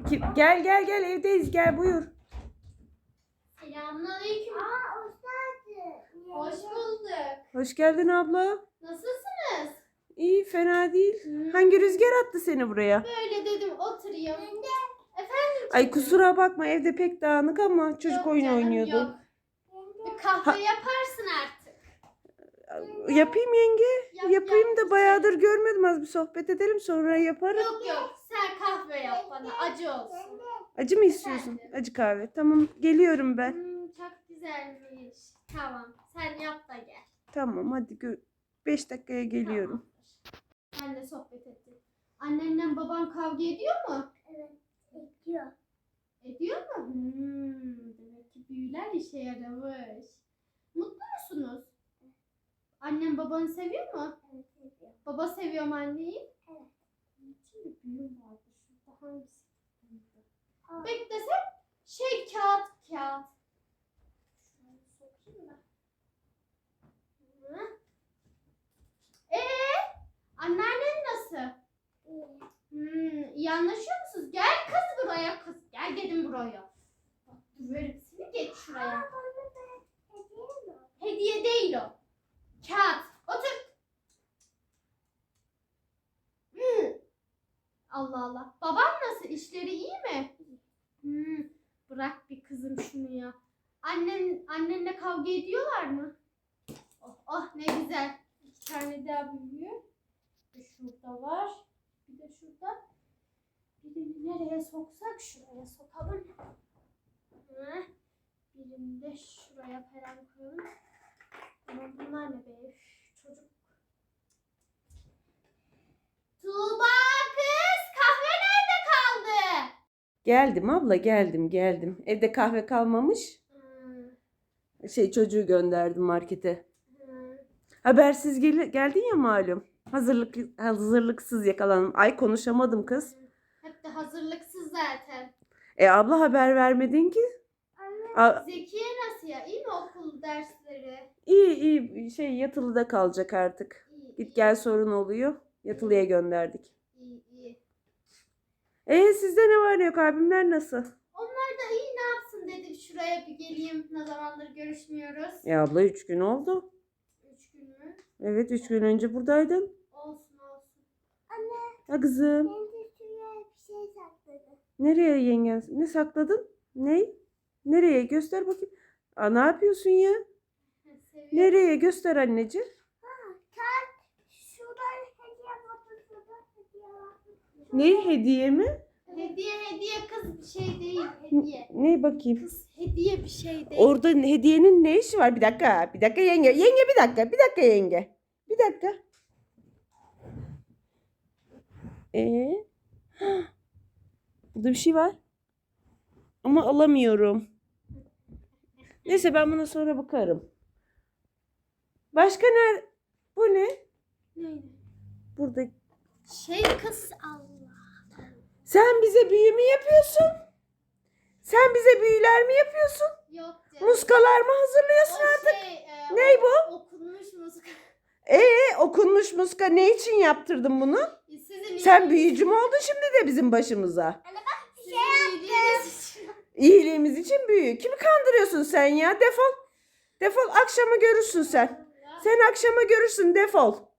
Gel gel gel, evdeyiz, gel buyur. Selamünaleyküm. Hoş geldin. Hoş bulduk. Hoş geldin abla. Nasılsınız? İyi, fena değil. Hangi rüzgar attı seni buraya? Böyle dedim oturayım. Efendim Ay çocuğum? kusura bakma, evde pek dağınık ama çocuk Yok oyun canım, oynuyordu. yok. Bir kahve yaparsın artık. Yapayım yenge. Yap, Yapayım yap. da bayağıdır görmedim, az bir sohbet edelim sonra yaparım. Yok yok, sen kahve yap bana, acı olsun. Acı mı istiyorsun? Acı kahve. Tamam, geliyorum ben. Çok güzelmiş. Tamam, sen yap da gel. Tamam hadi 5 dakikaya geliyorum. Ben de sohbet ettim. Annenle baban kavga ediyor mu? Evet, ediyor. Ediyor mu? Demek ki büyüler işe yaramış. Mutlu musunuz? Annen babanı seviyor mu? Evet, ediyor. Baba seviyor mu anneyi? Evet. Şimdi büyüm vardı şurada, hangisi? Aa. Beklesem kağıt. Şunu sokayım da. Hı? Anneannen nasıl? İyi. İyi anlaşıyor musunuz? Gel kız buraya kız. Gel dedim buraya. Bak döverim seni, geç şuraya. Bana da hediye mi? Hediye değil o. Kağıt. Otur. Allah Allah. Baban nasıl? İşleri iyi mi? Bırak bir kızım şunu ya. Annenle kavga ediyorlar mı? Oh, oh ne güzel. 2 tane daha büyüyor. Bir şurada var. Bir de şurada. Birini nereye soksak şuraya sokalım. Birini de şuraya falan koyalım. Ama bunlar ne be? Üf, çocuk. Tuğba kız, kahve nerede kaldı? Geldim abla, geldim. Evde kahve kalmamış. Çocuğu gönderdim markete. Habersiz geldin ya malum. Hazırlıksız yakalandım. Ay konuşamadım kız. Hep de hazırlıksız zaten. Abla haber vermedin ki. Zekiye nasıl ya? İyi mi okul dersleri? İyi yatılıda kalacak artık. İyi. Git gel sorun oluyor. Yatılıya gönderdik. İyi. Sizde ne var ne yok, abimler nasıl? Onlar da iyi, ne yapsın dedim şuraya bir geleyim. Ne zamandır görüşmüyoruz. Abla 3 gün oldu. 3 gün mü? Evet 3 gün önce buradaydın. Olsun. Ha kızım. Ben de şuraya bir şey sakladım. Nereye yengen? Ne sakladın? Ne? Nereye? Göster bakayım. Ne yapıyorsun ya? Seviyorum. Nereye? Göster anneciğim. Şurada hediye var. Şurada hediye var. Ne hediye mi? Hediye kız bir şey değil. Hediye. Ne bakayım? Kız hediye bir şey değil. Orada hediyenin ne işi var? Bir dakika. Bir dakika yenge. Yenge bir dakika. Bir dakika yenge. Bir dakika. Burada bir şey var. Ama alamıyorum. Neyse ben buna sonra bakarım. Başka ne? Bu ne? Neydi? Burada. Kız Allah. Sen bize büyü mü yapıyorsun? Sen bize büyüler mi yapıyorsun? Yok canım. Muskalar mı hazırlıyorsun artık? Ney bu? Okunmuş muska. Okunmuş muska. Ne için yaptırdın bunu? Sen büyücü mü oldun şimdi de bizim başımıza? İyiliğimiz için büyü. Kimi kandırıyorsun sen ya? Defol. Defol, akşama görürsün sen. Sen akşama görürsün, defol.